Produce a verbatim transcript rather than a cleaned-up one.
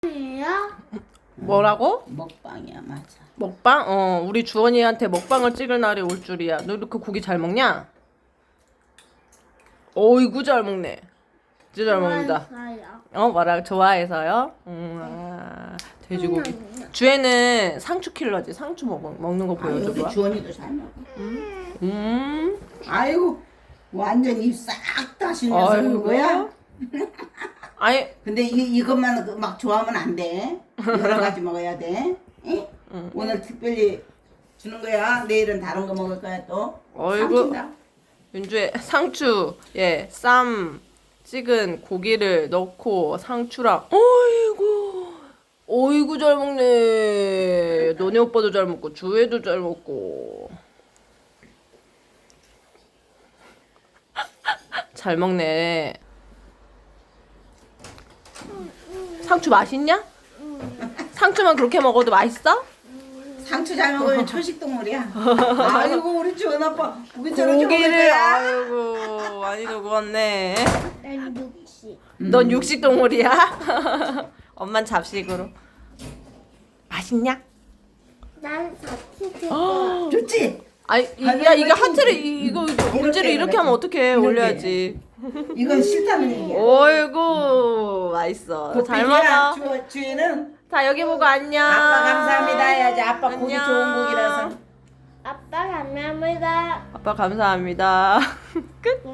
이야? 뭐라고? 먹방이야, 맞아. 먹방? 어, 우리 주원이한테 먹방을 찍을 날이 올 줄이야. 너 이렇게 고기 잘 먹냐? 어이구 잘 먹네. 진짜 잘 먹는다. 좋아해서요. 어, 뭐라 좋아해서요? 음, 아, 돼지고기. 주애는 상추 킬러지. 상추 먹, 먹는 거 아, 보여줘 여기 봐. 주원이도 잘 먹어. 음. 아이고, 완전 입 싹 다시면서 아이고. 그거야? 아니, 근데 이, 이것만 그막 좋아하면 안 돼. 여러 가지 먹어야 돼. 응? 오늘 특별히 주는 거야. 내일은 다른 거 먹을 거야 또. 어이구. 삼킨다. 윤주의 상추, 예, 쌈 찍은 고기를 넣고 상추랑, 어이구, 어이구 잘 먹네. 너네 오빠도 잘 먹고 주애도 잘 먹고. 잘 먹네. 상추 맛있냐? 상추만 그렇게 먹어도 맛있어? 상추 잘 먹으면 초식 동물이야. 아이고 우리 주원 아빠 고기 저렇게 먹을 고기를 거야. 아이고 많이 먹었네. 난 육식. 넌 육식 동물이야? 엄만 잡식으로. 맛있냐? 난 사치즈. 좋지? 아니 이- 야 이게 하트를 이- 이거 이거 엄지를 이렇게 하면 어떡해. 이렇게. 올려야지. 이건 싫다는 얘기야. 어이구 맛있어. 잘 고삐기야, 먹어. 주, 주인은 자 여기 보고 안녕. 아빠 감사합니다 해야지. 아빠 고기 안녕. 좋은 고기라서. 아빠 감사합니다. 아빠 감사합니다. 끝.